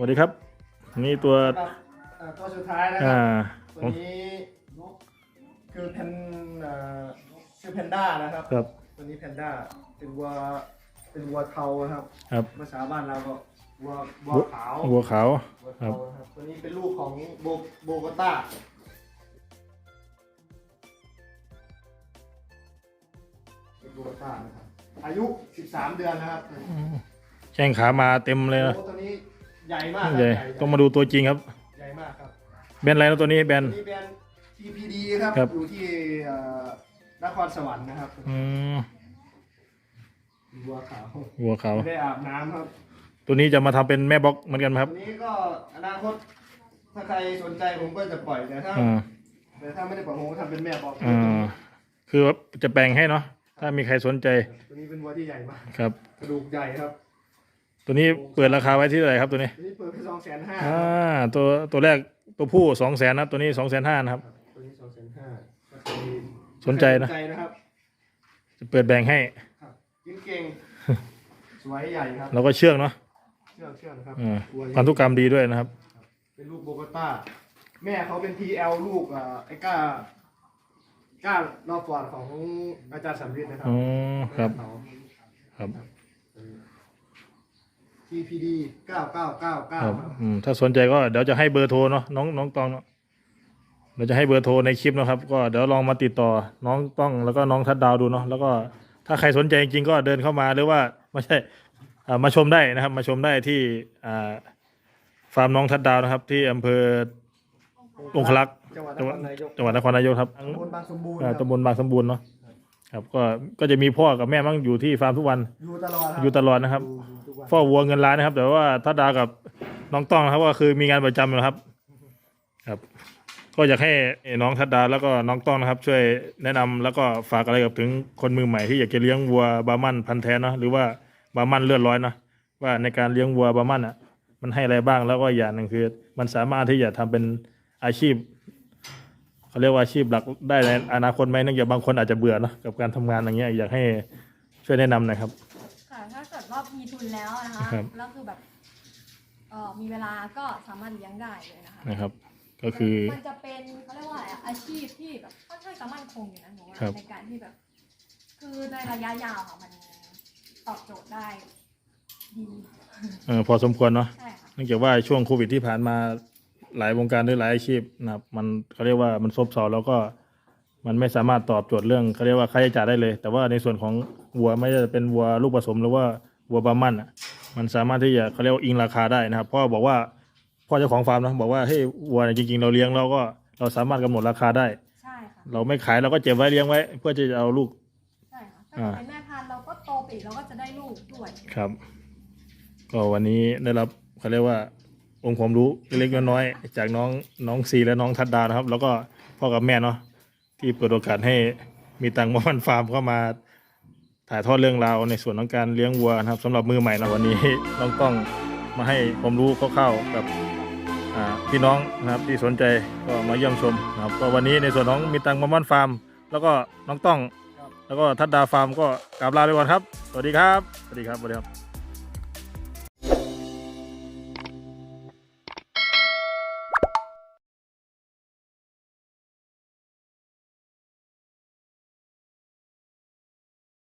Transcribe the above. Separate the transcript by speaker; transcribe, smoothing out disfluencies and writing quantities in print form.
Speaker 1: วัสดีครับนี่ตัว
Speaker 2: ตัวสุดท้ายนะครับตัวนี้คือชื่อแพนด้านะครับตัวนี้แพนด้าเป็นวัวเทาครับภาษาบ้านเราก็วัวขาวครับตัวนี้เป็นลูกของโบโกต้านะครับอายุ13 เดือนนะครับ
Speaker 1: แข้งขามาเต็มเลยนะ
Speaker 2: ตัวนี้ใหญ่มาก
Speaker 1: ใหญ่ต้องมาดูตัวจริงครับ
Speaker 2: ใหญ่มากครับ
Speaker 1: แบรนด์อะไรนะตัวนี้แบรนด์
Speaker 2: TPD ครับอยู่ที่นครสวรรค์นะครับวัวขาวไม่ได้อาบน้ำครับ
Speaker 1: ตัวนี้จะมาทำเป็นแม่บล็อกเหมือนกันไหมครับ
Speaker 2: ตัวนี้ก็อนาคตถ้าใครสนใจผมก็จะปล่อยแต่ถ้าไม่ได้ปล่อยผมก็ทำเป็นแม่บล็อก
Speaker 1: คือจะแปลงให้เนาะถ้ามีใครสนใจ
Speaker 2: ตัวนี้เป็นวัวที่ใหญ่มาก
Speaker 1: ครับ
Speaker 2: กระดูกใหญ่ครับ
Speaker 1: ตัวนี้เปิดราคาไว้ที่เท่าไหร่ครับตัวนี้
Speaker 2: เปิดไป250,000
Speaker 1: ตัวแรกตัวผู้200,000นะตัวนี้250,000นะครับ
Speaker 2: ตัวนี้250,000
Speaker 1: สนใจนะครับจะเปิดแบ่งให้
Speaker 2: กินเก่งสวยใหญ่ครับ
Speaker 1: เราก็เชื่องเนาะ
Speaker 2: เชื่องครับ
Speaker 1: พันธุกรรมดีด้วยนะครับ
Speaker 2: เป็นลูกโบโกต้าแม่เขาเป็น TL ลูกไอ้ก้านอกฟอร์ดของอาจารย์สัมฤทธิ์นะครับ
Speaker 1: ครับ
Speaker 2: TPD 9999
Speaker 1: ครับถ้าสนใจก็เดี๋ยวจะให้เบอร์โทรเนาะน้องตองเนาะเราจะให้เบอร์โทรในคลิปนะครับก็เดี๋ยวลองมาติดต่อน้องต้องแล้วก็น้องทัดดาวดูเนาะแล้วก็ถ้าใครสนใจจริงๆก็เดินเข้ามาหรือว่าไม่ใช่มาชมได้นะครับมาชมได้ที่ฟาร์มน้องทัดดาวนะครับที่อำเภอองคลักษ์จังหวัดนครนายกครับตำบลบางสมบูรณ์เนาะครับก็จะมีพ่อกับแม่มั่งอยู่ที่ฟาร์มทุกวันอยู่ตลอดนะครับพ่อวัวเงินล้านนะครับแต่ว่าทัดดาวกับน้องต้องนะครับก็คือมีงานประจำนะครับก็อยากให้น้องทัดดาวแล้วก็น้องต้องนะครับช่วยแนะนำแล้วก็ฝากอะไรกับถึงคนมือใหม่ที่อยากจะเลี้ยงวัวบาร์มันพันธุ์แท้เนาะหรือว่าบาร์มันเลือดร้อยนะว่าในการเลี้ยงวัวบาร์มันมันให้อะไรบ้างแล้วก็อย่างหนึ่งคือมันสามารถที่จะทำเป็นอาชีพเขาเรียกว่าอาชีพหลักได้ในอนาคตไหมเนื่องจากบางคนอาจจะเบื่อนะกับการทำงานอย่างเงี้ยอยากให้ช่วยแนะนำหน่อยครับ
Speaker 3: ค่ะถ้าเกิดว่ามีทุนแล้วนะคะแล้วคือแบบมีเวลาก็สามารถเลี้ยงได้เลย
Speaker 1: นะครับก็คือ
Speaker 3: มันจะเป็นเขาเรียกว่าอาชีพที่แบบค่อนข้างจะมั่นคงอยู่นะหนูว่าในการที่แบบคือในระยะยาวค่ะมันตอบโจทย์ได้ดี
Speaker 1: พอสมควรเนาะ
Speaker 3: ใช่ค่ะ
Speaker 1: เนื่องจากว่าช่วงโควิดที่ผ่านมาหลายวงการหรือหลายอาชีพนะครับมันเขาเรียกว่ามันซบเซาแล้วก็มันไม่สามารถตอบโจทย์เรื่องเขาเรียกว่าค่าใช้จ่ายได้เลยแต่ว่าในส่วนของวัวไม่ว่าจะเป็นวัวลูกผสมหรือว่าวัวบาร์มันมันสามารถที่จะเขาเรียกว่าอิงราคาได้นะครับเพราะบอกว่าพ่อเจ้าของฟาร์มนะบอกว่าเฮ้ยวัวจริงๆเราเลี้ยงเราสามารถกำหนดราคาได้
Speaker 3: ใช่ค่ะ
Speaker 1: เราไม่ขายเราก็เก็บไว้เลี้ยงไว้เพื่อจะเอาลูก
Speaker 3: ใช่ค่ะถ้าเป็นแม่พันธุ์เราก็โตไปอีกเราก็จะได้ลูกด้วย
Speaker 1: ครับก็วันนี้ได้รับเขาเรียกว่าองค์ความรู้เล็กๆน้อยๆจากน้องซีและน้องทัดดานะครับแล้วก็พ่อกับแม่เนาะที่เปิดโอกาสให้มีตังค์มามันฟาร์มเข้ามาถ่ายทอดเรื่องราวในส่วนของการเลี้ยงวัวนะครับสำหรับมือใหม่นะวันนี้ต้องมาให้ความรู้คร่าวๆกับพี่น้องนะครับที่สนใจก็มาเยี่ยมชมนะครับก็วันนี้ในส่วนของมีตังค์มามันฟาร์มแล้วก็น้องต้องแล้วก็ทัดดาฟาร์มก็กราบลาไปก่อนครับสวัสดีครับ